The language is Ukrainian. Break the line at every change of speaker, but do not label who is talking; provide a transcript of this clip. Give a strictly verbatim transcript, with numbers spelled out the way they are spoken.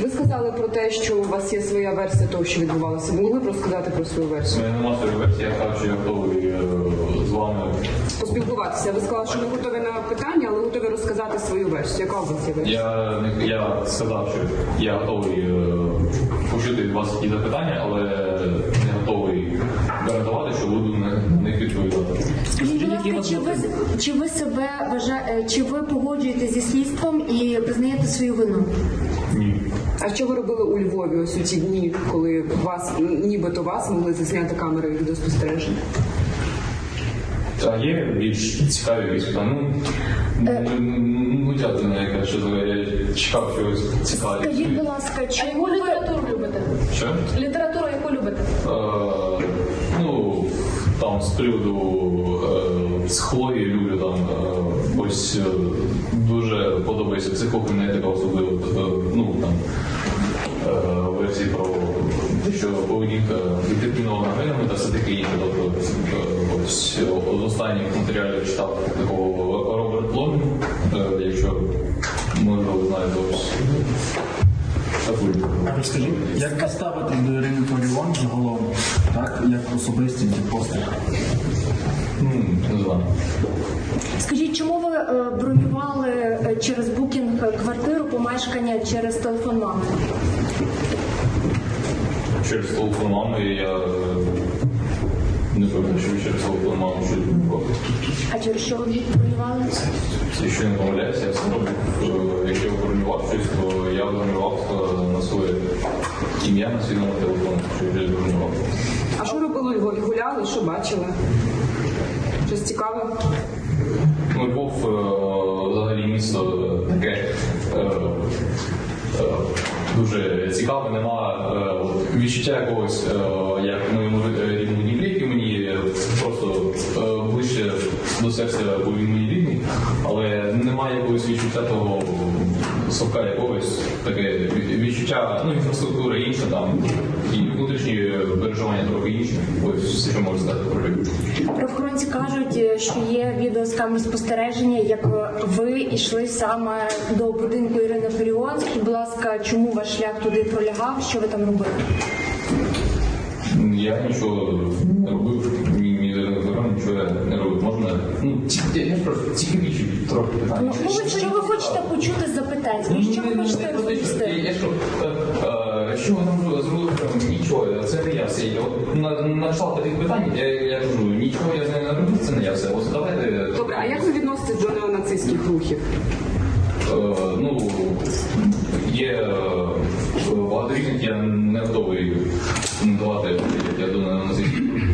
Ви сказали про те, що у вас є своя версія того, що відбувалося. Ви могли б розказати про свою версію?
У мене немає своєї версії, я кажу, що я готовий е, з вами.
Поспілкуватися. Ви сказали, що не готові на питання, але готові розказати свою версію. Яка у вас є версія?
Я, не- я сказав, що я готовий е, почути від вас які запитання, але не готовий гарантувати, що буду на на них відповідати.
Скажіть, будь ласка, чи ви, чи ви себе вважаєте, чи ви погоджуєтеся зі слідством і визнаєте свою вину?
Ні.
А що ви робили у Львові ось у ті дні, коли вас, нібито вас могли засняти камери відеоспостереження?
А є більш цікаві якісь питання? Ну, ну, ну, дякую, ну, яка що я чекав чогось цікавого.
Скажіть, будь ласка,
А
чи
яку літературу любите?
Що?
Літературу яку любите?
Е, ну, там з приводу е, психології люблю там е, ось е, дуже подобається психокінетика, особливо е, ну там е, версії про те, що поведінка детермінована генами та все таке інше. Тобто е, ось е, з останніх матеріалів читав такого Роберт Блом, е, якщо можливо ви знаєте ось. таку.
А розкажіть, як ви ставитесь до Ірини Фаріон загалом, так, як особистість і постать?
М, Не знаю.
скажіть, чому ви е, бронювали е, через букінг квартиру, помешкання через телефон мами?
Через телефон мами я е, не певний, що через телефон мами щось було.
А через що ви бронювали?
Якщо не помиляюся, я все роблю. Е, Якщо я бронював щось, то я бронював е, на своє ім'я на свій номер телефону, що я вже бронював.
А що робили у Львові? Гуляли, що бачили? Щось цікаве?
Ну, Львов е, взагалі місто таке е, е, дуже цікаве, нема е, от відчуття якогось, е, як в моєму рідному Дніпрі, який мені просто е, ближче до серця, бо він мені рідний, але немає якогось відчуття того совка якогось, таке відчуття, ну, інфраструктура інша там, і внутрішні переживання трохи інші. Ось все, що можу сказати про Львів.
Правоохоронці кажуть, що є відео з камер спостереження, як ви йшли саме до будинку Ірини Фаріон. Скажіть, будь ласка, чому ваш шлях туди пролягав? Що ви там робили?
Я нічого не робив, ні, ні, нічого я не робив. Можна, ну, ці- я, я ж просто цікавіші трохи питання.
Ну, ви, що ви хочете почути з запитань? Скажіть, що ви хочете
Я,
розповісти?
я що, е, е, що ви там зробили? Нічого, це не я все. Я от на, на кшталт таких питань, я, я кажу, нічого я з нею не робив, це не я все. Ось давайте.
Добре, а як ви відноситесь до неонацистських рухів?
Е, ну, є е, багато різних, я не готовий коментувати, як я думаю, на